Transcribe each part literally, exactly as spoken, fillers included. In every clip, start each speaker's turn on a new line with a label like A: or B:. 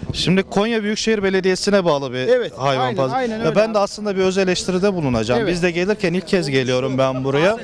A: Şimdi Konya Büyükşehir Belediyesi'ne bağlı bir
B: Evet,
A: hayvan
B: aynen,
A: pazarı.
B: aynen
A: Ya
B: öyle
A: ben
B: abi.
A: de aslında bir öz eleştiride bulunacağım.
B: Evet.
A: Biz de gelirken ilk kez geliyorum ben buraya.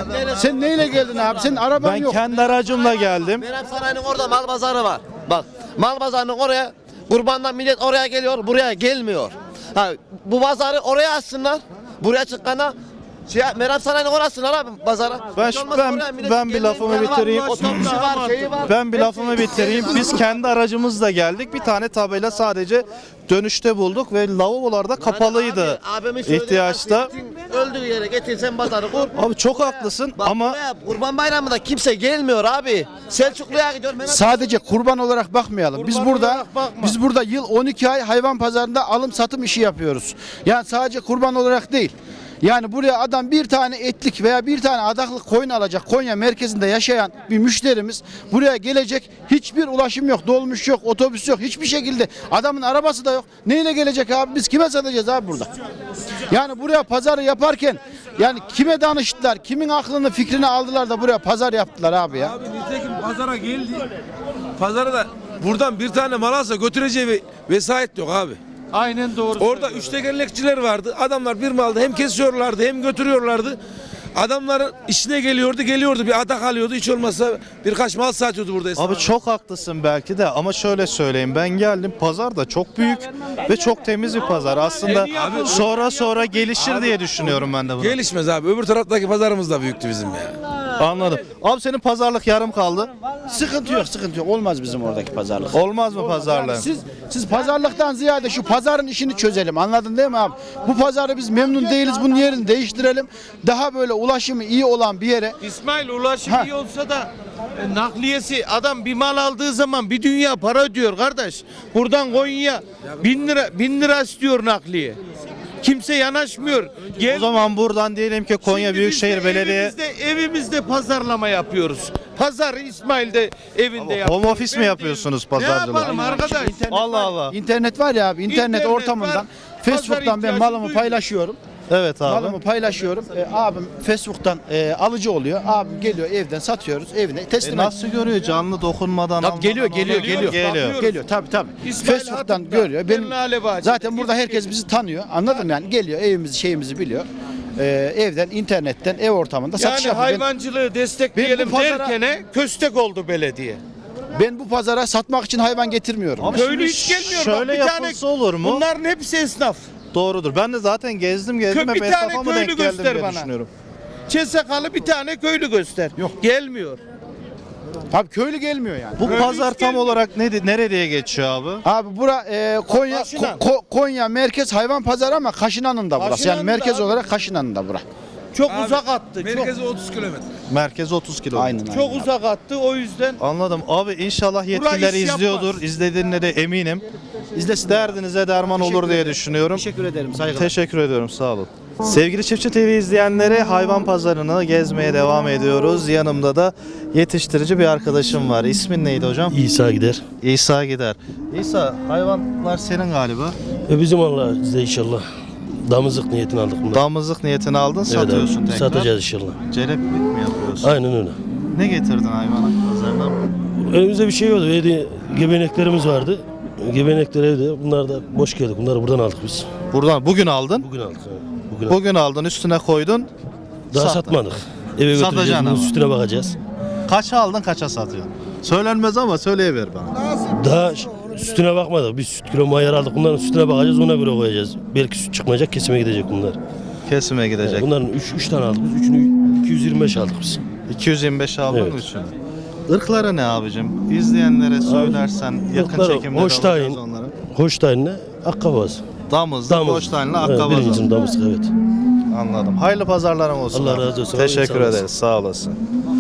B: Sen neyle geldin abi? Senin araban
A: Ben
B: yok.
A: kendi aracımla geldim.
C: Meram Sarayı'nın orada mal pazarı var. Bak mal pazarının oraya kurbandan millet oraya geliyor, buraya gelmiyor. Ha, bu pazarı oraya açsınlar. Buraya çıkana şey, Meram Sarayı'nın orasınlar abi pazara.
A: Ben
C: Hiç olmazsa
A: ben,
C: oraya millet
A: ben bir
C: gelmeyin,
A: lafımı
C: yanı var,
A: bitireyim.
C: Otobüsü var, şeyi var.
A: Ben bir lafımı bitireyim. Biz kendi aracımızla geldik. Bir tane tabela sadece dönüşte bulduk ve lavabolarda kapalıydı
C: Abi, abimin söylediği
A: ihtiyaçta.
C: gittin, öldüğü yere getirsen pazarı kur.
A: Abi çok haklısın
C: Bak
A: ama
C: buraya Kurban Bayramı'nda kimse gelmiyor abi. Selçuklu'ya gidiyor. Mehmet-
B: Sadece kurban olarak bakmayalım. Biz
C: Kurban
B: burada
C: olarak bakma.
B: biz burada yıl on iki ay hayvan pazarında alım satım işi yapıyoruz. Yani sadece kurban olarak değil. Yani buraya adam bir tane etlik veya bir tane adaklık koyun alacak, Konya merkezinde yaşayan bir müşterimiz buraya gelecek, hiçbir ulaşım yok, dolmuş yok, otobüs yok, hiçbir şekilde adamın arabası da yok. Neyle gelecek abi? Biz kime satacağız abi burada? Yani buraya pazarı yaparken yani kime danıştılar, kimin aklını fikrini aldılar da buraya pazar yaptılar abi ya.
D: Abi nitekim pazara geldi. Pazara da buradan bir tane mal alsa götüreceği bir vesayet yok abi.
E: Aynen doğru.
D: Orada üç tekerlekçiler vardı. Adamlar bir malda hem kesiyorlardı hem götürüyorlardı. Adamların işine geliyordu, geliyordu. Bir adak alıyordu. Hiç olmazsa birkaç mal satıyordu burada.
A: abi çok haklısın belki de ama şöyle söyleyeyim, ben geldim, pazar da çok büyük ve çok temiz bir pazar. Aslında sonra sonra gelişir diye düşünüyorum ben de bunu.
D: Gelişmez abi. Öbür taraftaki pazarımız da büyüktü bizim ya.
A: Anladım. Abi senin pazarlık yarım kaldı.
B: Sıkıntı yok, sıkıntı yok. Olmaz bizim oradaki pazarlık.
A: Olmaz mı pazarlığın?
B: Siz siz pazarlıktan ziyade şu pazarın işini çözelim. Anladın değil mi abi? Bu pazarı biz memnun değiliz. Bunun yerini değiştirelim. Daha böyle ulaşımı iyi olan bir yere.
E: İsmail ulaşım
B: Ha.
E: iyi olsa da e, nakliyesi adam bir mal aldığı zaman bir dünya para ödüyor kardeş. Buradan Konya'ya bin lira bin lira istiyor nakliye. Kimse yanaşmıyor. Gel,
A: O zaman buradan diyelim ki Konya
E: Şimdi
A: Büyükşehir
E: biz de
A: Belediye
E: Evimizde, evimizde pazarlama yapıyoruz. Pazarı İsmail de evinde yapıyor.
A: home office mi
E: Ben
A: yapıyorsunuz
E: değilim.
A: pazarcılığı?
E: Ne yapalım arkadaş?
A: Allah Allah.
B: İnternet var ya abi. internet,
E: İnternet
B: ortamından
E: var,
B: Facebook'tan
E: pazar
B: ben
E: ihtiyacı
B: malımı
E: duyuyor.
B: paylaşıyorum.
A: Evet abi.
B: Malımı paylaşıyorum. E, abim Facebook'tan e, alıcı oluyor. Abim geliyor evden satıyoruz. Evine teslim
A: E
B: ediyor.
A: nasıl görüyor canlı dokunmadan?
B: Tabii geliyor,
A: almadan,
B: geliyor,
A: almadan?
B: geliyor.
A: Geliyor.
B: Geliyor tabii tabii.
E: İsmail
B: Facebook'tan
E: Hatip'ten,
B: görüyor. Benim
E: Lale Bahçe'de,
B: zaten burada
E: git
B: herkes
E: gel.
B: bizi tanıyor. Anladın mı yani? Geliyor evimizi şeyimizi biliyor. E, evden, internetten, ev ortamında satış
E: Yani
B: yapıyor. Ben-
E: hayvancılığı destekleyelim
B: Ben bu pazara-
E: derkene köstek oldu belediye.
B: Ben bu pazara satmak için hayvan getirmiyorum.
A: Abi
E: Köylü
A: şimdi
E: hiç gelmiyor.
A: Şöyle
E: Bak, bir tane-
A: yapılsa olur mu?
E: Bunların hepsi esnaf.
A: Doğrudur. Ben de zaten gezdim gezdim
E: Kö-
A: hep
E: bir tane
A: esnafa mı
E: köylü
A: denk geldim
E: göster
A: diye
E: bana.
A: düşünüyorum.
E: Çesakalı bir tane köylü göster. Yok. Gelmiyor.
B: Abi köylü gelmiyor yani.
A: Bu
E: Köylü
A: pazar
E: hiç
A: tam
E: gelmiyor.
A: olarak ne nereye geçiyor abi?
B: Abi bura e, Konya
E: Kaşınan.
B: Ko- Ko- Konya merkez hayvan pazarı ama Kaşınan'ın da burası.
E: Kaşınan'ın
B: Yani
E: da
B: merkez
E: abi.
B: olarak Kaşınan'ın da bura.
E: Çok
D: Abi,
E: uzak attı. Çok,
D: Merkezi otuz kilometre.
A: Merkez otuz kilo.
B: Aynen.
E: çok
B: aynen.
E: uzak attı. O yüzden
A: Anladım. Abi inşallah yetkililer
E: iş
A: izliyordur.
E: yapmaz.
A: İzlediğine de eminim.
B: İzlesin.
A: Derdinize derman olur
B: Teşekkür
A: diye
B: ederim.
A: düşünüyorum.
B: Teşekkür ederim. Saygılar.
A: Teşekkür ediyorum. Sağ olun. Sevgili Çiftçi T V izleyenleri, hayvan pazarını gezmeye devam ediyoruz. Yanımda da yetiştirici bir arkadaşım var. İsmin neydi hocam?
F: İsa gider.
A: İsa Gider. İsa, hayvanlar senin galiba.
F: E bizim Allah bize inşallah. Damızlık niyetini aldık bunlar.
A: Damızlık niyetini aldın,
F: Evet
A: satıyorsun
F: abi,
A: tekrar.
F: satacağız inşallah.
A: Celeplik mi yapıyorsun?
F: Aynen öyle.
A: Ne getirdin hayvana pazardan?
F: Elimizde bir şey yoktu. Evde gebeneklerimiz vardı. Gebenekler evde. Bunlar da boş geldik. Bunları buradan aldık biz.
A: Buradan bugün aldın.
F: Bugün aldık. evet. Bugün aldık.
A: Bugün aldın, üstüne koydun.
F: Daha
A: sattın.
F: satmadık. Eve
A: Satacaksın
F: götüreceğiz. Bunun
A: ama.
F: üstüne bakacağız.
A: Kaça aldın, kaça satıyorsun? Söylenmez ama söyleyiver bana.
F: Daha ş- sütüne bakmadık. Biz süt kilo mayar aldık. Bunların sütüne bakacağız. Ona göre koyacağız. Belki süt çıkmayacak. Kesime gidecek bunlar.
A: Kesime gidecek.
F: Bunların üç tane aldık. Biz üçünü iki yüz yirmi beş aldık biz.
A: iki yüz yirmi beş aldın
F: Evet.
A: üçünü. Irkları ne abicim? İzleyenlere söylersen yakın
F: ırkları
A: çekimde de
F: Holstein.
A: alacağız onları.
F: Hoştayin'le Akkabaz.
A: Damızlı,
F: Damız.
A: Holstein'le
F: Evet,
A: Akkabazı.
F: birincinin damızlık evet.
A: Anladım. Hayırlı pazarların olsun.
F: Allah
A: abi.
F: razı olsun.
A: Teşekkür
F: Sağ olasın.
A: ederiz. Sağ olasın.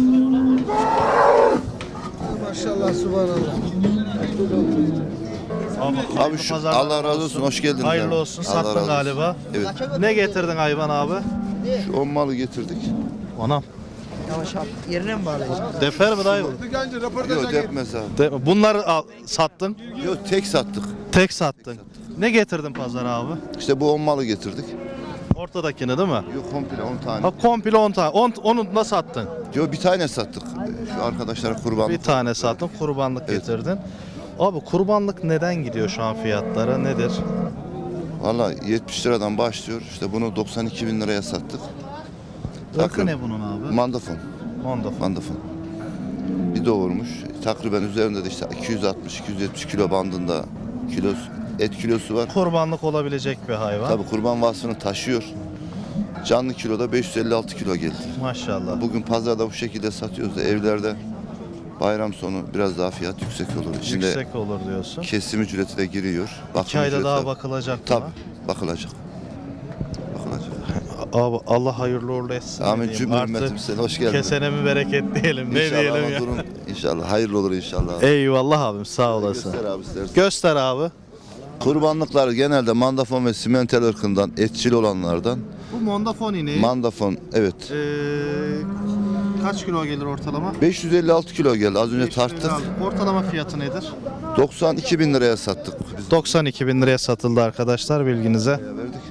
A: Maşallah
G: Abi şu, Allah razı olsun, hoş geldiniz.
A: Hayırlı
G: abi.
A: olsun.
G: Allah razı
A: Sattın
G: olsun.
A: galiba.
G: Evet.
A: Ne getirdin hayvan abi?
G: Şu on malı getirdik.
A: Anam.
H: Yavaş abi. Yerine mi bağlayacağım?
A: Defer mi dayı?
G: Yok depmez abi.
A: De- Bunları al, sattın.
G: Yok tek sattık.
A: Tek sattın. Ne getirdin pazara abi?
G: İşte bu on malı getirdik.
A: Ortadakini değil mi?
G: Yok komple on tane.
A: Ha komple on tane. On, onu da sattın.
G: Yok bir tane sattık. Şu arkadaşlara kurbanlık.
A: Bir tane sattın, kurbanlık
G: Evet.
A: getirdin. Abi kurbanlık neden gidiyor şu an fiyatlara nedir?
G: Valla yetmiş liradan başlıyor. İşte bunu doksan iki bin liraya sattık.
A: Rakı ne bunun abi?
G: Mandafon.
A: Mondafon.
G: Mandafon. Bir doğurmuş. Takriben üzerinde de işte iki yüz altmış iki yüz yetmiş kilo bandında kilos, et kilosu var.
A: Kurbanlık olabilecek bir hayvan.
G: Tabii kurban vasfını taşıyor. Canlı kiloda beş yüz elli altı kilo geldi.
A: Maşallah.
G: Bugün pazarda bu şekilde satıyoruz da evlerde bayram sonu biraz daha fiyat yüksek olur. Şimdi
A: Yüksek olur diyorsun.
G: kesim ücreti de giriyor. Bakım
A: İki ayda
G: ücreti
A: daha
G: de-
A: bakılacak
G: Tabii
A: buna.
G: bakılacak. Bakılacak.
A: Abi Allah hayırlı uğurlu etsin.
G: Amin
A: diyeyim.
G: cümle
A: Artık
G: ümmetim sen hoş geldin.
A: kesene mi bereket diyelim ne
G: İnşallah
A: diyelim
G: ama
A: ya.
G: durum inşallah hayırlı olur inşallah.
A: Eyvallah abim sağ olasın.
G: Göster abi istersen.
A: Göster abi.
G: Kurbanlıklar genelde mandafon ve simental ırkından, etçil olanlardan.
A: Bu Mondafon ineği.
G: Mandafon evet.
A: Ee, kaç kilo gelir ortalama?
G: beş yüz elli altı kilo geldi. Az önce tarttık.
A: Ortalama fiyatı nedir?
G: doksan iki bin liraya sattık. Biz
A: doksan iki bin liraya satıldı arkadaşlar bilginize.
G: de verdik.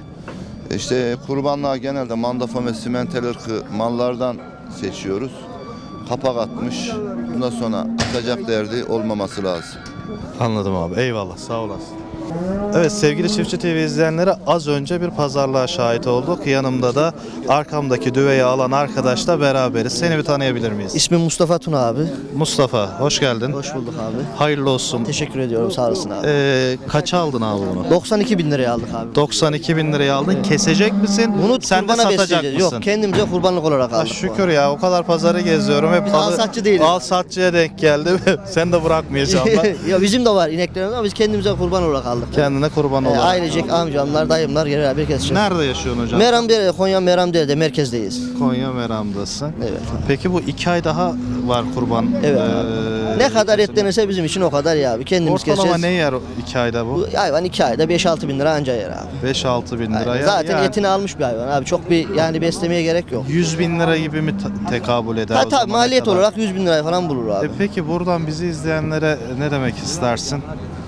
G: İşte kurbanlığa genelde mandafon ve simental ırkı mallardan seçiyoruz. Kapak atmış. Bundan sonra atacak derdi olmaması lazım.
A: Anladım abi. Eyvallah. Sağ olasın. Evet sevgili Çiftçi T V izleyenleri az önce bir pazarlığa şahit olduk. Yanımda da arkamdaki düveyi alan arkadaşla beraberiz. Seni bir tanıyabilir miyiz?
H: İsmim Mustafa Tuna abi.
A: Mustafa hoş geldin.
H: Hoş bulduk abi.
A: Hayırlı olsun.
H: Teşekkür ediyorum sağ olasın abi.
A: Ee, kaça aldın abi bunu?
H: doksan iki bin liraya aldık abi.
A: doksan iki bin liraya aldın. Kesecek misin?
H: Bunu
A: Sen de
H: kurbana
A: satacak
H: besleyeceğiz.
A: mısın?
H: Yok kendimize kurbanlık olarak
A: Ha,
H: aldık. bu
A: şükür
H: arada.
A: ya o kadar pazarı geziyorum. Hep
H: Biz
A: alı-
H: alsatçı değiliz.
A: Alsatçıya denk geldi. Sen de bırakmayacağım ben.
H: ya bizim de var ineklerimiz ama biz kendimize kurban olarak aldık.
A: Kendine kurban
H: Ee,
A: olarak.
H: ailecek amcamlar, dayımlar beraber keseceğiz.
A: Nerede yaşıyorsun hocam?
H: Meramdere'de, Konya Meramdere'de merkezdeyiz.
A: Konya Meram'dasın.
H: Evet.
A: Peki bu iki ay daha var kurban.
H: Evet
A: Ee,
H: abi. Ne kadar etlenirse bizim için o kadar ya abi. Kendimiz
A: Ortalama
H: keseceğiz.
A: ne yer o iki ayda bu?
H: Bu hayvan iki ayda beş altı bin lira anca yer abi.
A: beş altı bin
H: Aynen.
A: liraya.
H: Zaten
A: yani
H: etini almış bir hayvan abi. Çok bir yani beslemeye gerek yok.
A: yüz bin lira gibi mi ta- tekabül eder?
H: Ha
A: o
H: tabii
A: zamana
H: maliyet
A: kadar?
H: olarak yüz bin liraya falan bulur abi.
A: E peki buradan bizi izleyenlere ne demek istersin?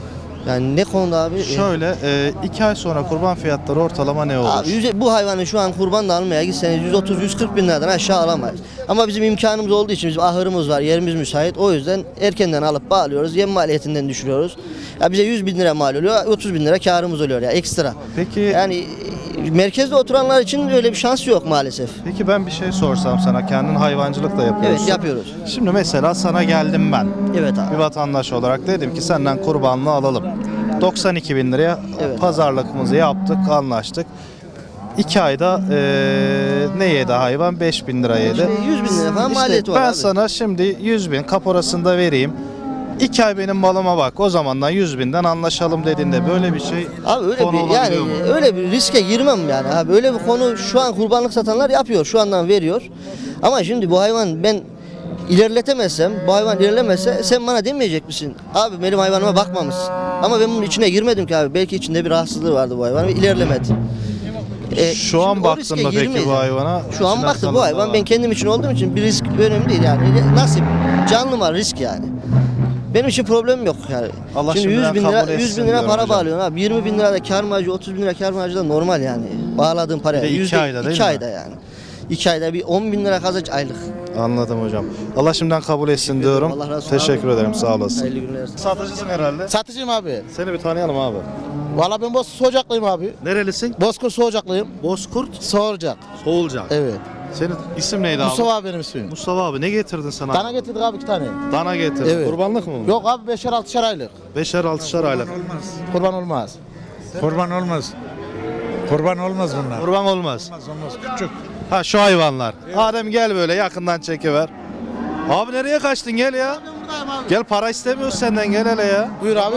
H: Yani ne konuda abi?
A: Şöyle e, iki ay sonra kurban fiyatları ortalama ne olur?
H: Abi yüz- bu hayvanı şu an kurban da almaya gitseniz yüz otuz yüz kırk bin liradan aşağı alamayız. Ama bizim imkanımız olduğu için bizim ahırımız var, yerimiz müsait. O yüzden erkenden alıp bağlıyoruz. Yem maliyetinden düşürüyoruz. Ya bize yüz bin lira mal oluyor, otuz bin lira karımız oluyor ya ekstra.
A: Peki
H: Yani e, merkezde oturanlar için öyle bir şans yok maalesef.
A: peki ben bir şey sorsam sana, kendin hayvancılık da yapıyorsun.
H: Evet yapıyoruz.
A: Şimdi mesela sana geldim ben.
H: Evet
A: Bir
H: abi.
A: vatandaş olarak dedim ki senden kurbanlığı alalım. doksan iki bin liraya
H: Evet.
A: pazarlığımızı yaptık, anlaştık. iki ayda eee ne yedi hayvan? beş bin lira yedi.
H: İşte yüz bin lira falan
A: İşte
H: maliyeti var
A: ben
H: abi.
A: sana şimdi yüz bin kaporasını da vereyim. iki ay benim malıma bak. O zamandan yüz binden anlaşalım dediğinde böyle bir şey
H: Abi öyle
A: konu
H: bir yani
A: olabiliyor mu?
H: öyle bir riske girmem yani abi. Öyle bir konu şu an kurbanlık satanlar yapıyor. Şu andan veriyor. Ama şimdi bu hayvan ben ilerletemezsem, bu hayvan ilerlemezse sen bana demeyecek misin? Abi benim hayvanıma bakmamışsın. Ama ben bunun içine girmedim ki abi. Belki içinde bir rahatsızlığı vardı bu hayvanın ve ilerlemedi. E,
A: Şu an
H: şimdi o
A: baktın
H: riske
A: mı peki
H: girmeyiz
A: bu
H: yani.
A: hayvana?
H: Şu an
A: İçine
H: baktım
A: salındı
H: bu hayvan
A: var.
H: ben kendim için olduğum için bir risk önemli değil yani. Nasip, canlı var risk yani. Benim için problem yok yani.
A: Allah
H: Şimdi
A: şimdiden
H: yüz bin
A: kabul
H: lira,
A: etsin
H: yüz bin lira
A: diyorum
H: para
A: hocam.
H: bağlıyorsun abi. yirmi bin lira da kar marjı, otuz bin lira kar marjı da normal yani. Bağladığın paraya.
A: Bir de iki
H: Yüzde
A: ayda değil
H: iki
A: mi?
H: ayda yani. iki ayda bir on bin lira kazanç aylık.
A: Anladım hocam. Allah şimdiden kabul etsin diyorum.
H: Allah razı olsun
A: Teşekkür
H: abi.
A: ederim. Sağ olasın.
H: Hayırlı günler.
A: Satıcısın herhalde.
I: Satıcıyım abi.
A: Seni bir tanıyalım abi.
I: Valla ben Bozkurt Soğucaklıyım abi.
A: Nerelisin?
I: Bozkurt Soğucaklıyım.
A: Bozkurt
I: Soğucak.
A: Soğulcak.
I: Evet.
A: Senin isim neydi abi?
I: Mustafa abi benim ismim.
A: Mustafa abi ne getirdin sana?
I: Dana getirdik abi iki tane.
A: Dana getirdin.
I: Evet.
A: Kurbanlık mı bu?
I: Yok abi beşer altışar aylık.
A: Beşer altışar aylık.
I: Kurban olmaz.
J: Kurban olmaz. Kurban olmaz bunlar.
A: Kurban olmaz.
J: Olmaz olmaz. Küçük.
A: Ha şu hayvanlar. Adem gel böyle yakından çekiver. Abi nereye kaçtın gel ya. Gel para istemiyoruz senden gel hele ya.
I: Buyur abi.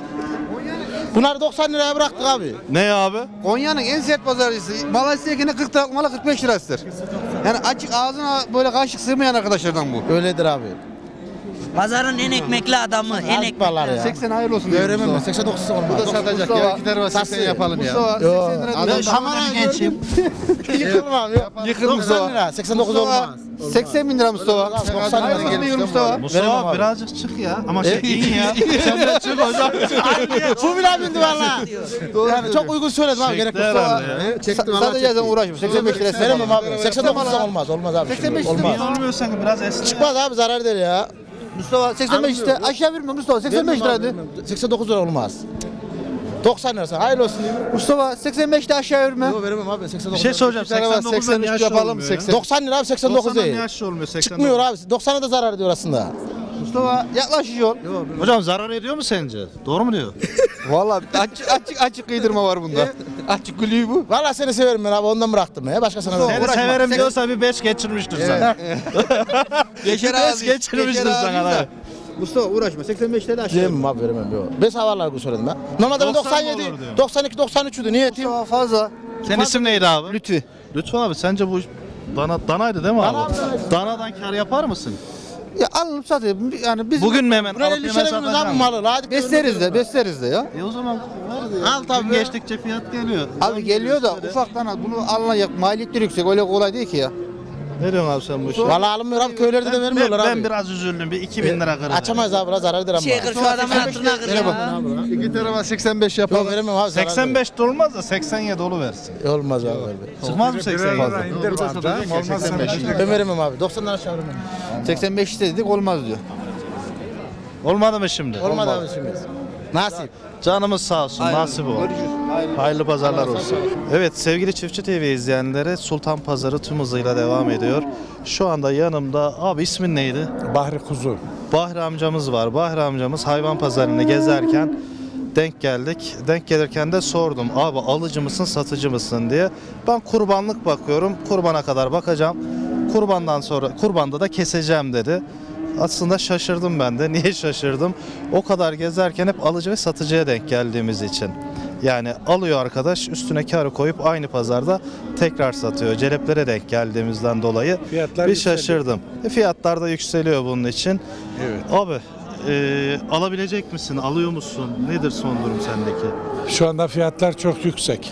I: Bunları doksan liraya bıraktık abi.
A: Ne abi?
B: Konya'nın en sert pazarcısı. Malasya'dakine kırk lira malı kırk beş lirasıdır. Yani açık ağzına böyle kaşık sığmayan arkadaşlardan bu.
I: Öyledir abi.
K: Pazarın en ekmekli adamı, en ekmekli.
I: Ekberler ya.
B: seksen hayırlı olsun.
I: Öğrenmem ben. seksen dokuz olmaz.
B: Bu da satacak ya. İki tane var seksen yapalım ya. Mustafa seksen lira.
I: Adam
K: Kamerayı gençim.
I: yıkılır abi.
B: Yıkıl
I: doksan
B: Mustafa.
I: lira. seksen dokuz olmaz.
B: seksen bin lira Mustafa.
I: doksan lira
B: Hayırlı olsun
I: gel.
B: diyorum Mustafa.
A: Mustafa
I: Veremem
A: abi
I: abi.
A: birazcık çık ya. Ama şey in ya. Sen de çık hocam.
I: Bu bile bindi valla. Yani çok uygun söyledim abi. Gerek yok.
A: Çekti herhalde ya.
B: Sa- Satacağız uğraşma. seksen beş lira.
I: Veremem abi. seksen dokuz olmaz. Olmaz abi.
B: seksen beş
I: Olmaz.
A: Niye olmuyorsan biraz esne.
I: Çıkmaz abi zarar eder ya. Mustafa seksen beş işte aşağı verme Mustafa seksen beş liraydı.
E: seksen dokuz lira olmaz. doksan lira hayırlı olsun.
I: Mustafa seksen beşte aşağı verme.
E: Yok veremem abi seksen dokuz.
A: Bir şey soracağım. seksen dokuzdan yaş olmuyor ya.
E: doksan lira abi seksen dokuz
A: doksandan
E: değil.
A: yaş olmuyor. seksen dokuz.
E: Çıkmıyor abi. doksana da zarar ediyor aslında.
I: Mustafa yaklaşıyor.
A: Hocam zarar ediyor mu sence? Doğru mu diyor?
I: Vallahi açık açık açık kıydırma var bunda. açık gülüğü bu.
E: Vallahi seni severim ben abi ondan bıraktım ya. Başkasına
A: Seni
E: vermem.
A: severim diyorsa bir beş geçirmiştir sana.
I: Geçer
A: beş
I: abi.
A: geçirmiştir sana. da.
I: Mustafa uğraşma seksen beşte de aşağı.
E: Diyemem abi veremem. Yok. Ben havalar bu söyledim ben. Normalde ben
A: doksan
E: doksan
A: mı
E: yedi,
A: olur diyor?
E: doksan iki, doksan üç'üydü. Niye eteyim?
I: Mustafa fazla.
A: Senin isim neydi abi?
I: Lütfi.
A: Lütfen abi sence bu dana danaydı değil mi
E: Dana
A: abi?
E: abi, danaydı.
A: Danadan kar yapar mısın?
I: Ya alınıp satayım. Yani biz
A: Bugün mü hemen
E: Buraya
A: alıp
E: elli
A: hemen
E: şerefimiz abi
A: satacağım?
E: malı. Hadi
I: besleriz de besleriz de ya.
A: E o zaman var ya.
E: Al tabii.
A: Gün geçtikçe fiyat geliyor.
I: Abi geliyor da ufaktan al. Bunu alınacak maliyetleri yüksek. Öyle kolay değil ki ya.
A: Ne diyorsun abi sen bu işe?
E: Vallahi alınmıyor abi. Köylerde de
A: Ben,
E: vermiyorlar
A: ben
E: abi.
A: biraz üzüldüm. Bir iki bin lira kırdı.
E: Açamayız abi biraz zarar eder ama.
K: Şey kır şu adamın hatırına kır ya.
I: İki tarafa seksen beş
E: Yok veremem abi. zarar
A: seksen
E: eder.
A: beş de olmaz da seksen yedi versin.
E: Olmaz abi.
A: Çıkmaz mı seksen yedi?
J: İndir bana. Olmaz
E: Ben veremem abi. doksandan aşağı veremem.
I: seksen beş istedik olmaz diyor.
A: Olmadı mı şimdi?
E: Olmadı abi şimdi. Nasip.
A: Canımız sağ olsun. Nasip o. Hayırlı pazarlar olsun. Evet sevgili Çiftçi T V izleyenleri Sultan Pazarı tüm hızıyla devam ediyor. Şu anda yanımda abi ismin neydi?
J: Bahri Kuzu.
A: Bahri amcamız var. Bahri amcamız hayvan pazarını gezerken denk geldik. Denk gelirken de sordum. Abi alıcı mısın satıcı mısın diye. Ben kurbanlık bakıyorum. Kurbana kadar bakacağım. Kurbandan sonra kurbanda da keseceğim dedi. Aslında şaşırdım ben de. Niye şaşırdım? O kadar gezerken hep alıcı ve satıcıya denk geldiğimiz için. Yani alıyor arkadaş üstüne karı koyup aynı pazarda tekrar satıyor. Celeplere denk geldiğimizden dolayı
J: Fiyatlar
A: bir
J: yükseliyor.
A: şaşırdım. E, fiyatlar da yükseliyor bunun için.
J: Evet.
A: Abi e, alabilecek misin? Alıyor musun? Nedir son durum sendeki?
J: Şu anda fiyatlar çok yüksek.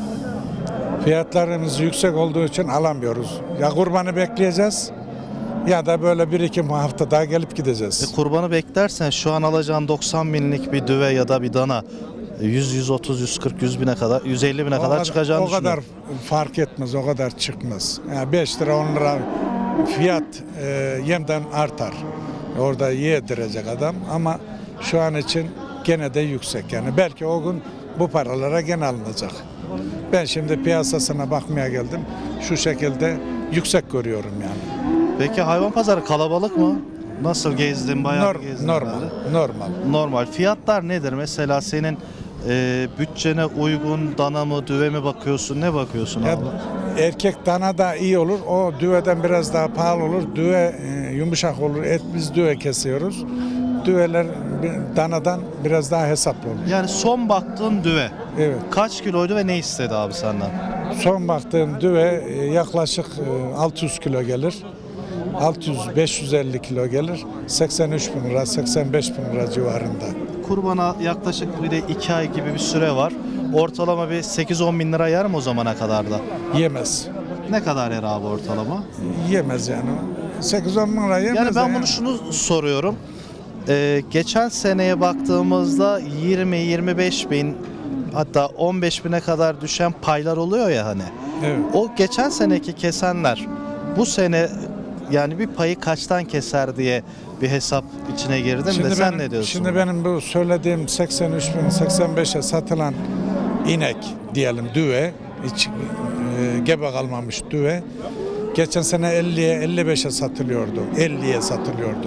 J: Fiyatlarımız yüksek olduğu için alamıyoruz. Ya kurbanı bekleyeceğiz ya da böyle bir iki hafta daha gelip gideceğiz.
A: E, kurbanı beklersen şu an alacağın doksan binlik bir düve ya da bir dana yüz, yüz otuz, yüz kırk, yüz bine kadar, yüz elli bine
J: O
A: kadar çıkacağını
J: O kadar
A: düşünüyorum.
J: fark etmez, o kadar çıkmaz. Yani beş lira on lira fiyat e, yemden artar. Orada yedirecek adam ama şu an için gene de yüksek. Yani belki o gün bu paralara gene alınacak. Ben şimdi piyasasına bakmaya geldim. Şu şekilde yüksek görüyorum yani.
A: Peki hayvan pazarı kalabalık mı? Nasıl gezdin? Bayağı
J: Nor-
A: gezdin
J: normal,
A: herhalde.
J: normal.
A: Normal. Fiyatlar nedir? Mesela senin e, bütçene uygun dana mı, düve mi bakıyorsun? Ne bakıyorsun
J: Ya,
A: abi?
J: erkek dana da iyi olur. O düveden biraz daha pahalı olur. Düve e, yumuşak olur. Et biz düve kesiyoruz. Düveler bir- danadan biraz daha hesaplı olur.
A: Yani son baktığın düve
J: Evet.
A: kaç kiloydu ve ne istedi abi senden?
J: Son baktığım düve e, yaklaşık e, altı yüz kilo gelir. altı yüz beş yüz elli kilo gelir. seksen üç bin lira, seksen beş bin lira civarında.
A: Kurbana yaklaşık bir de iki ay gibi bir süre var. Ortalama bir sekiz on bin lira yer mi o zamana kadar da?
J: Yemez.
A: Ne kadar yer abi ortalama?
J: Yemez yani. sekiz on bin lira yemez.
A: Yani ben
J: yani.
A: bunu şunu soruyorum. Ee, geçen seneye baktığımızda yirmi yirmi beş bin hatta on beş bine kadar düşen paylar oluyor ya hani.
J: Evet.
A: O geçen seneki kesenler bu sene yani bir payı kaçtan keser diye bir hesap içine girdim de sen
J: benim,
A: ne diyorsun?
J: Şimdi benim bu söylediğim seksen üç bin, seksen beşe satılan inek diyelim düve, hiç e, gebe kalmamış düve. Geçen sene elliye elli beşe satılıyordu. elliye satılıyordu.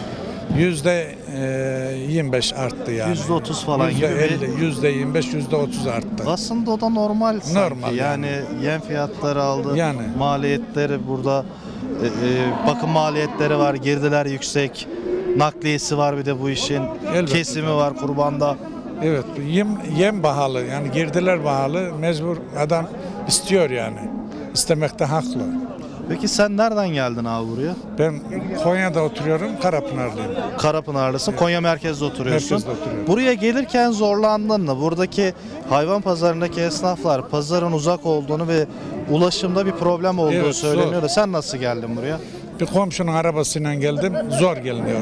J: Yüzde yirmi beş arttı yani.
A: Yüzde otuz falan
J: Yüzde
A: gibi bir-
J: elli, yüzde yirmi beş, yüzde otuz arttı.
A: Aslında o da normal sanki.
J: Normal
A: yani. yem fiyatları aldı.
J: Yani.
A: Maliyetleri burada e, e, bakım maliyetleri var, girdiler yüksek. Nakliyesi var bir de bu işin.
J: Elbette.
A: Kesimi var kurbanda.
J: Evet, yem, yem pahalı yani girdiler pahalı. Mecbur adam istiyor yani. İstemekte haklı.
A: Peki sen nereden geldin abi buraya?
J: Ben Konya'da oturuyorum, Karapınarlıyım.
A: Karapınarlısın. Konya merkezde oturuyorsun.
J: Merkezde oturuyorum.
A: Buraya gelirken zorlandın mı? Buradaki hayvan pazarındaki esnaflar pazarın uzak olduğunu ve ulaşımda bir problem olduğu
J: Evet,
A: söyleniyor
J: zor.
A: da sen nasıl geldin buraya?
J: Bir komşunun arabasıyla geldim, zor geliniyor.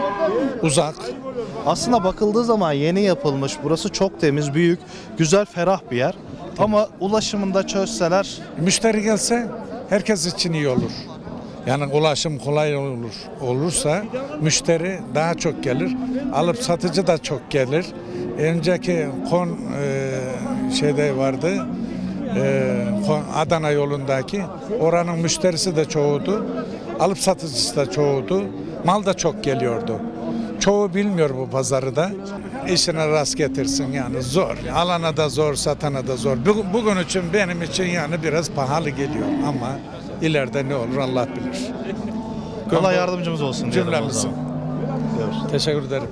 J: Uzak.
A: Aslında bakıldığı zaman yeni yapılmış. Burası çok temiz, büyük, güzel, ferah bir yer. Ama ulaşımında çözseler
J: Müşteri gelse herkes için iyi olur. Yani ulaşım kolay olur olursa müşteri daha çok gelir. Alıp satıcı da çok gelir. Önceki kon e, şeyde vardı. e, Kon- Adana yolundaki oranın müşterisi de çoğudu. Alıp satıcısı da çoğudu. Mal da çok geliyordu. Çoğu bilmiyor bu pazarı da. İşine rast getirsin yani zor. Alana da zor, satana da zor. Bu- Bugün için benim için yani biraz pahalı geliyor ama ileride ne olur Allah bilir.
A: Allah yardımcımız olsun diyelim o
J: Cümlemizin.
A: zaman.
J: Teşekkür ederim.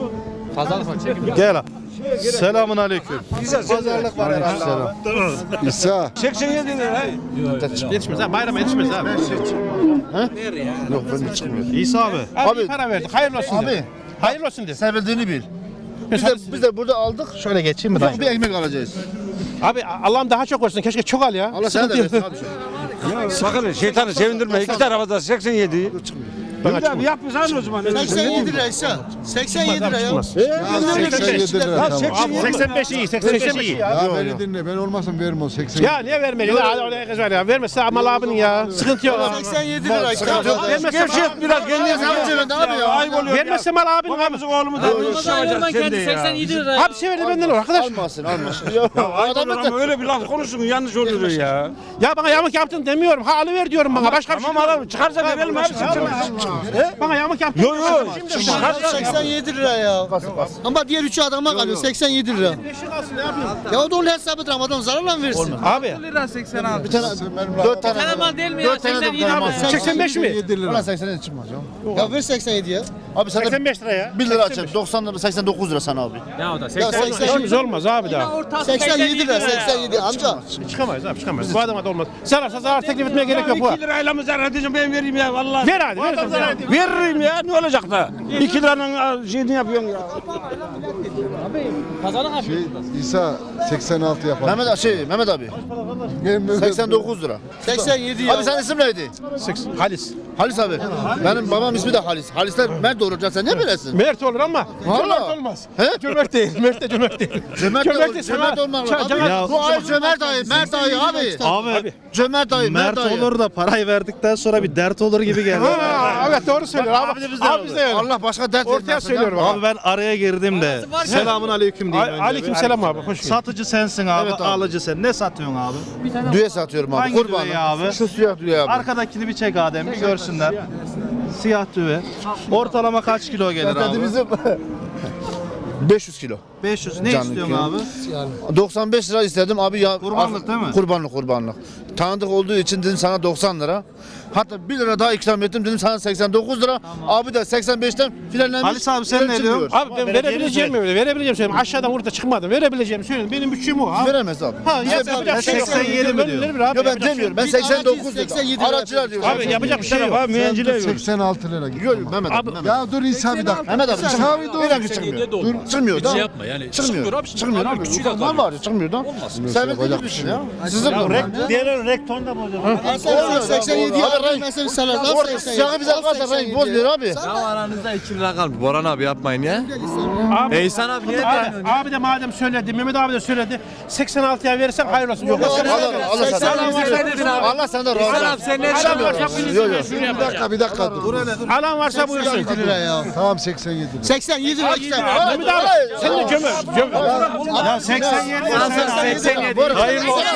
A: Gel abi. Selamun aleyküm.
B: Pazarlık var herhalde abi.
I: İsa.
D: seksen yedi lira.
I: Yetişmez ha, bayrama yetişmez abi.
G: Yok ben de çıkmıyorum.
A: İsa abi.
I: Abi para verdik, hayırlı olsun de.
G: Abi
I: Hayırlı olsun de.
G: sen bildiğini bil. Biz de, biz de burada aldık.
A: Şöyle geçeyim mi
G: Ufak
A: dayı?
G: bir ekmek alacağız.
I: Abi Allah'ım daha çok versin, keşke çok al ya.
G: Allah sana da versin abi.
D: Sakın şeytanı sevindirme. İki tarafa da seksen yedi.
I: Bana çıkmaz.
D: Yapmış abi o zaman.
E: seksen yedi lira ise. seksen yedi lira ya.
I: Çıkmaz.
E: seksen yedi lira.
I: Abi seksen beş iyi, seksen beş iyi.
L: Ya beni dinle, ben olmasam vermem o seksen.
I: Ya niye vermeyeceksin? Ya oraya kız var ya. Vermezse amal abinin ya. Sıkıntı yok.
E: seksen yedi lira.
I: Vermezse
D: Gevşet biraz kendini.
G: abi ya.
D: Ayıp oluyor.
I: Vermezse mal abinin abi.
D: Bizim oğlumu da
K: seksen yedi lira.
I: Abi severdi benden olur arkadaş.
G: Almasın almasın.
D: Adam ama öyle bir laf konuşsun yanlış oluyor ya.
I: Ya bana yamuk yaptın demiyorum. Ha alıver diyorum bana. Başka bir şey
D: Tamam alalım çıkarsa verelim abi.
I: Bana yamuk yaptın.
D: Yok yok.
E: seksen yedi lira ya. Ama diğer üçü adama kalıyor. seksen yedi lira. Ya o da onun hesabıdır ama adam zararla mı versin?
I: Abi.
G: Dört tane.
K: Tamam değil mi ya?
G: Dört tane
K: seksen
G: de
K: yedi lira.
I: seksen beş mi?
G: Ulan seksen yedi çıkmaz ya.
E: Ya ver seksen yedi ya.
G: Abi sen de
I: seksen beş lira ya.
G: bir lira açın. doksan lira seksen dokuz lira sana abi.
K: Ya o da
E: Ya
K: seksen.
I: İşimiz olmaz abi daha.
E: seksen yedi lira. seksen yedi amca.
I: Çıkamayız abi çıkamayız. Bu adama da olmaz. Zararsa zarar teklif etmeye gerek yok bu.
D: iki lirayla mı zarar edeceğim ben vereyim ya vallahi.
I: Ver hadi ver. Ver.
D: Veririm ya ne olacak da. iki liranın şeyini yapıyorsun ya.
K: Pazarlık
L: Şey, İsa seksen altı yapalım.
G: Mehmet abi şey Mehmet abi. seksen dokuz lira.
E: seksen yedi ya.
G: Abi senin isim neydi?
I: Halis.
G: Halis abi. Benim babam ismi de Halis. Halisler Mert olacak sen ne bilesin?
I: Mert olur ama
G: Vallahi.
I: cömert olmaz.
G: He?
I: Cömert değil. Mert de cömert değil.
G: Cömert de
I: Cömert de
G: Cömert
I: sana-
G: olmak
I: Ça-
G: lazım.
I: Cömert-
G: Abi, Bu ay Cömert dayı, Mert dayı abi.
A: Abi
G: Cömert dayı, Mert
A: Mert
G: dayı.
A: olur da parayı verdikten sonra bir dert olur gibi geldi.
I: Ha, evet doğru söylüyor abi.
A: Abi de bizden
I: Abi biz de öyle.
G: Allah başka dert
I: Ortaya
G: vermesin
I: söylüyorum
G: ya.
I: abi.
A: Abi ben araya girdim de. Selamun aleyküm diyeyim önce.
I: Aleyküm selam abi. Hoş geldin.
A: Satıcı sensin abi,
G: Evet abi.
A: alıcı sen. Ne satıyorsun abi?
G: Düğe satıyorum abi.
A: Hangi
G: Kurbanım.
A: düveyi abi?
G: Şu siyah düğe abi.
A: Arkadakini bir çek Adem bir görsünler. Siyah düve. Ortalama kaç kilo gelir abi?
G: Bizim beş yüz kilo.
A: beş yüz. Ne
G: Canlı
A: istiyorsun
G: kilo.
A: abi?
G: doksan beş lira istedim abi ya.
A: Kurbanlık değil mi?
G: Kurbanlık kurbanlık. Tanıdık olduğu için dedim sana doksan lira. Hatta bir lira daha ikram ettim dedim sana seksen dokuz lira. Abi de seksen beşten filanlenmiş.
A: Halis abi sen ne diyorsun?
I: Abi ben verebileceğim mi? Verebileceğim söyleyeyim. Aşağıdan burada çıkmadım. Verebileceğim söyleyeyim. Benim bütçem o abi.
G: Veremez abi.
I: Ha
G: Bize-
I: yapacak bir şey yok.
A: seksen yedi mi diyor?
I: Abi,
G: Ya ben
I: yapacak
G: demiyorum. Ben
E: Bir
G: seksen dokuz
E: seksen yedi
G: dedim.
E: lira
G: Araççılar diyor.
I: Abi yapacak bir şey yok.
D: Abi mühendiciler yok.
L: seksen altı lira gidiyor.
G: Yok Mehmet abi. Mehmet.
L: Ya dur İsa bir dakika.
G: Mehmet abi.
L: İsa abi dur.
G: Bir dakika çıkmıyor. Dur. Çıkmıyor da.
K: yapma yani.
G: Çıkmıyor.
K: abi.
G: Çıkmıyor abi. Mal var ya çıkmıyor da. Sen bildiğiniz bir şey ya. Sizin bu.
D: Diğerleri rektonda mı hocam?
E: seksen yedi ya.
G: Abi renk.
E: Mesela sana
G: Orada siyahı bize kalsa renk bozmuyor abi.
C: Ya aranızda iki lira kalmış. Boran abi yapmayın ya.
I: Abi,
C: Eysan abi niye
I: abi, abi de madem söyledi, Mehmet abi de söyledi. seksen altıya verirsen hayır olsun. Yok.
G: Allah Allah
C: seksen
G: sana.
C: dedin abi.
G: Allah senden razı
C: Eysan abi
G: olsun.
C: sen ne
I: Alan varsa
C: düşünüyorsun?
I: buyursun.
G: Yok, yok.
L: Bir dakika bir dakika dur.
I: Alan varsa buyursun.
E: seksen yedi lira ya.
L: Tamam seksen yedi lira.
E: seksen yedi lira işte.
I: Mehmet abi sen de cömert. Cömert.
A: Ya seksen yedi.
G: seksen yedi. Hayırlı olsun.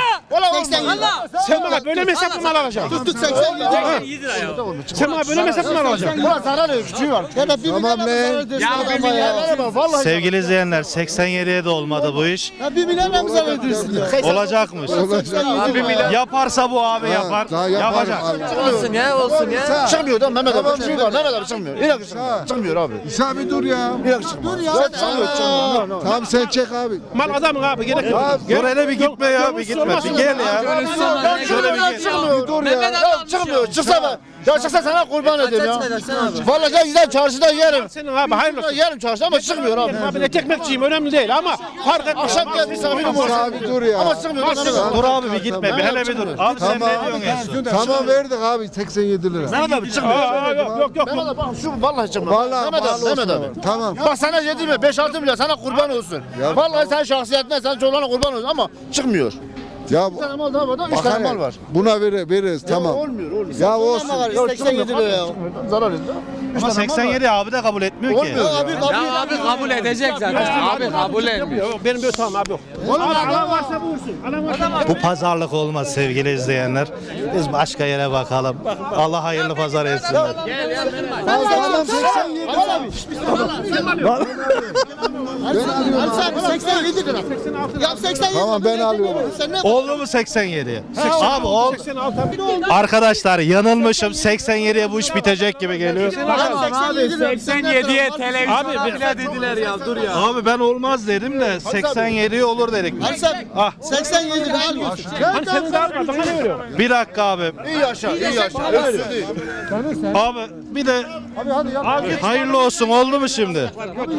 E: seksen yedi.
I: Sen bana böyle mi hesaplı mal alacaksın?
E: Tuttuk seksen yedi.
K: yedi lira ya.
I: Sen bana böyle mi hesaplı mal alacaksın?
G: Ulan zarar yok. Küçüğü var.
E: Ya da bir
L: Tamam
E: milyar
L: lan.
E: mı zarar edersin adama ya?
G: Vallahi.
A: Sevgili izleyenler seksen yediye de olmadı bu iş.
E: Ya bir milyar mı zarar edersin ya?
A: Olacakmış.
E: seksen yedi lira.
A: Yaparsa bu abi yapar.
L: Daha yaparım
A: Yapacak.
L: abi.
C: Olsun ya olsun ya.
G: Çıkmıyor da Mehmet abi.
L: Tamam,
G: Küçüğü var. Mehmet abi çıkmıyor. İnan ki çıkmıyor. Çıkmıyor abi.
L: İsa bir dur ya.
G: İnan ki çıkmıyor. Dur ya. Çıkmıyor. Çıkmıyor.
L: Tamam sen çek abi.
I: Mal adamın abi gerek yok.
A: Dur hele bir gitme ya bir gitme. Bir gel ya. Şöyle bir gel.
G: Çıkmıyor. Dur ya.
K: Mehmet
G: Ya
K: abi
G: çıkmıyor. Çıksa ben. Ya çıksa sana kurban edeyim ya.
C: Edersen abi.
G: Vallahi ya gider çarşıda yerim.
I: Senin abi hayırlı olsun.
G: Yerim çarşıda ama çıkmıyor abi.
I: Abi et ekmekçiyim önemli değil ama fark etmez.
G: Akşam gel misafirim olsun.
L: İsa abi dur ya.
G: Ama çıkmıyor. da Mehmet abi.
A: Dur abi bir gitme. Bir hele bir dur. Abi sen
L: Tamam.
A: ne diyorsun en son?
L: Tamam verdik abi seksen yedi lira.
G: Mehmet abi çıkmıyor.
I: Aa, yok yok yok.
G: Mehmet abi bak şu vallahi çıkmıyor.
L: Vallahi
G: Mehmet
L: mal
G: abi. Mehmet
L: olsun
G: abi.
L: abi. Tamam.
G: Bak sana yedi mi? beş altı milyar sana kurban olsun. Vallahi sen şahsiyetine sen çoluğuna kurban olsun ama çıkmıyor.
L: Ya
B: Bir tane mal daha var da üç
L: bak
B: tane
L: hele,
B: mal var.
L: buna ver, veririz tamam.
B: Olmuyor olmuyor.
L: Ya olsun.
H: seksen yedi lira ya.
B: Zarar ediyor.
A: Ama seksen yedi abi de kabul etmiyor ki.
B: Olmuyor abi kabul
K: Ya abi kabul edecek zaten. Abi kabul etmiyor.
I: Benim bir tamam abi yok.
B: Alan varsa buyursun. Alan varsa
A: Bu pazarlık olmaz sevgili izleyenler. Biz başka yere bakalım. Allah hayırlı pazar etsinler.
L: Adam seksen yedi.
B: Abi seksen yedi lira. Ya seksen yedi.
L: Tamam ben alıyorum.
B: Sen ne?
A: Oldu mu seksen yediye? Abi ol. Arkadaşlar yanılmışım. seksen yediye bu iş bitecek gibi geliyor.
K: seksen yediye televizyona bile dediler ya dur ya.
A: Abi ben olmaz dedim de seksen yediye olur dedik. Ah
B: seksen yedi lira alıyorsun.
I: Hani senin daha bana ne veriyor?
A: bir dakika abi.
B: İyi yaşa, iyi yaşa.
A: Abi bir de hayırlı olsun oldu mu şimdi?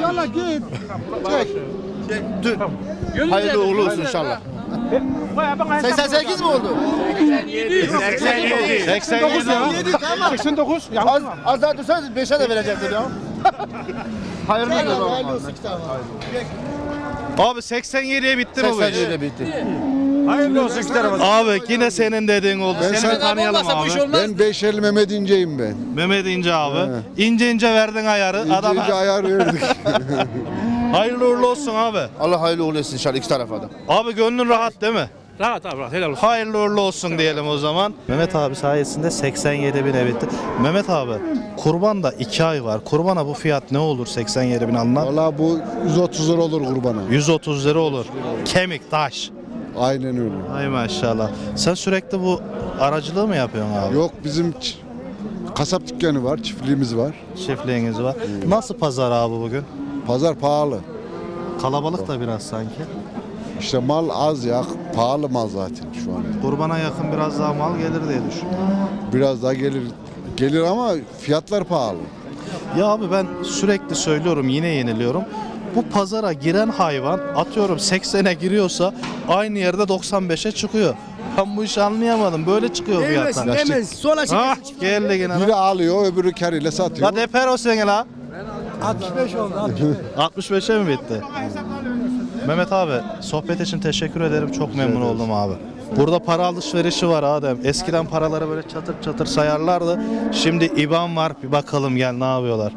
B: Hayırlı uğurlu olsun inşallah. seksen sekiz mi oldu?
A: seksen yedi. seksen yedi.
I: seksen dokuz.
B: Az, az daha dursanız beşe de verecektim ya. Hayırlı olsun.
A: Abi seksen yediye bitti mi bu
B: seksen
A: iş?
B: yedi bitti.
I: Hayırlı olsun iki tarafa.
A: Abi yine senin dediğin oldu.
L: Ben
A: Seni
L: sen-
A: bir tanıyalım abi.
L: Ben Beşerli Mehmet İnce'yim ben.
A: Mehmet İnce abi. İnce ince verdin ayarı.
L: İnce
A: Adama
L: ince ayar verdik.
A: hayırlı uğurlu olsun abi.
B: Allah hayırlı uğurlu etsin inşallah iki tarafa da.
A: Abi gönlün rahat değil mi?
I: Rahat abi rahat helal olsun.
A: Hayırlı uğurlu olsun diyelim o zaman. Mehmet abi sayesinde seksen yedi bin bitti. Mehmet abi kurbanda iki ay var. Kurbana bu fiyat ne olur seksen yedi bin alınan?
L: Valla bu yüz otuz lira olur kurbana.
A: yüz otuz lira olur. Kemik, taş.
L: Aynen öyle.
A: Ay maşallah. Sen sürekli bu aracılığı mı yapıyorsun abi?
L: Yok bizim ç- kasap dükkanı var, çiftliğimiz var.
A: Çiftliğiniz var. Nasıl pazar abi bugün?
L: Pazar pahalı.
A: Kalabalık da biraz sanki.
L: İşte mal az ya, pahalı mal zaten şu an.
A: Kurbana yakın biraz daha mal gelir diye düşünüyorum.
L: Biraz daha gelir gelir ama fiyatlar pahalı.
A: Ya abi ben sürekli söylüyorum yine yeniliyorum. Bu pazara giren hayvan atıyorum seksene giriyorsa aynı yerde doksan beşe çıkıyor. Ben bu işi anlayamadım. Böyle çıkıyor fiyatlar.
I: Demez. Sola
A: Ha geldi gene.
L: Biri alıyor, öbürü karıyla satıyor.
A: La deper o sene la.
I: altmış beş oldu.
A: altmış beşe mi bitti? Mehmet abi sohbet için teşekkür ederim. Çok memnun oldum abi. Burada para alışverişi var Adem. Eskiden paraları böyle çatır çatır sayarlardı. Şimdi İban var. Bir bakalım gel ne yapıyorlar.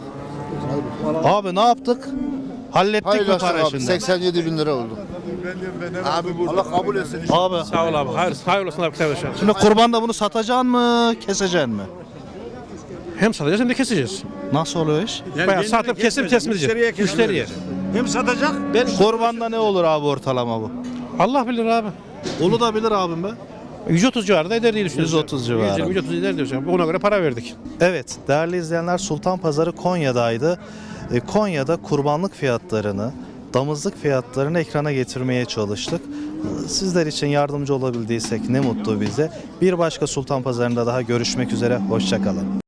A: Abi ne yaptık? Hallettik
B: Hayırlı
A: mi
B: olsun
A: para
B: abi.
A: şimdi?
B: seksen yedi bin lira oldu. Abi Allah kabul etsin.
A: Abi
I: Sağ ol abi. Hayır, hayırlı olsun abi kardeşim.
A: şimdi kurbanda bunu satacaksın mı, keseceksin mi?
I: Hem satacağız hem de keseceğiz.
A: Nasıl oluyor iş?
I: Bayağı satıp kesip kesmeyeceğiz. Müşteriye.
A: Hem satacak. Ben kurbanda ne olur abi ortalama bu?
I: Allah bilir abi.
A: Onu da bilir abim be.
I: yüz otuz civarında eder diye düşünüyoruz.
A: yüz otuz civarı.
I: yüz yirmi yüz otuz eder diyoruz. Ona göre para verdik.
A: Evet değerli izleyenler Sultan Pazarı Konya'daydı. E, Konya'da kurbanlık fiyatlarını, damızlık fiyatlarını ekrana getirmeye çalıştık. E, Sizler için yardımcı olabildiysek ne mutlu bize. Bir başka Sultan Pazarı'nda daha görüşmek üzere. Hoşça kalın.